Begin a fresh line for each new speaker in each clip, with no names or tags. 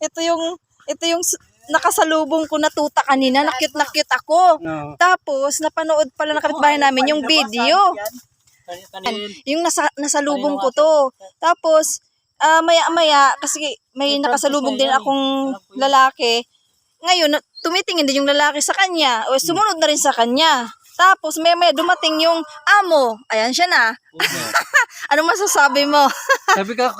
ito yung nakasalubong ko na tuta kanina. Na-cute ako.
No.
Tapos, napanood pala ng kapitbahay namin yung video. Yung nasalubong ko to. Tapos, maya-maya, kasi may nakasalubong din akong lalaki. Ngayon, tumitingin din yung lalaki sa kanya. O, sumunod na rin sa kanya. Tapos, maya-maya dumating yung amo. Ayan siya na. Anong masasabi mo?
Sabi ka,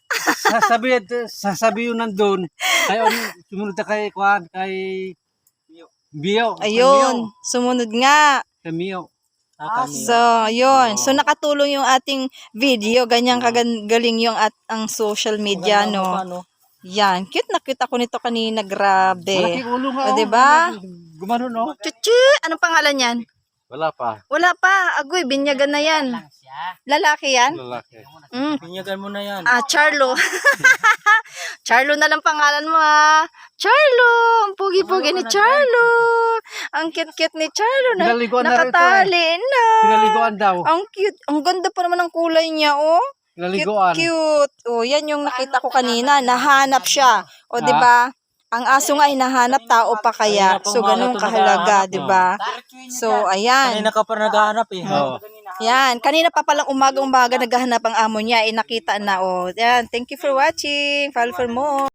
sasabi yun nandun. Kaya sumunod na kay Kwan, kay Bio.
Ayun, sumunod nga.
Kay Mio.
So, yun. So, nakatulong yung ating video. Ganyan kagaling yung ang social media, no? Yan. Cute na cute ako nito kanina. Grabe.
Malaking ulo nga.
O, diba?
Gumano, no?
Chuchu! Anong pangalan yan?
Wala pa.
Wala pa. Agoy, binyagan na yan. Lalaki yan?
Lalaki.
Binyagan mo na yan.
Charlo. Charlo na lang pangalan mo, ha? Charlo! Ang pugi-pugi ni Charlo. Ang cute-cute ni Charlo.
Pinaliguan na rin ito,
Nakatali na.
Pinaliguan daw.
Ang cute. Ang ganda pa naman ng kulay niya, oh.
Pinaliguan.
Cute. Oh, yan yung nakita ko kanina. Nahanap siya. O, di ba? Ang aso nga hinahanap, tao pa kaya. So, ganun kahalaga, di ba? So, ayan.
Kanina ka pa naghahanap eh.
Yan. Kanina pa palang umaga-umaga naghahanap ang amo niya. Nakita na, oh. Yan. Thank you for watching. Follow for more.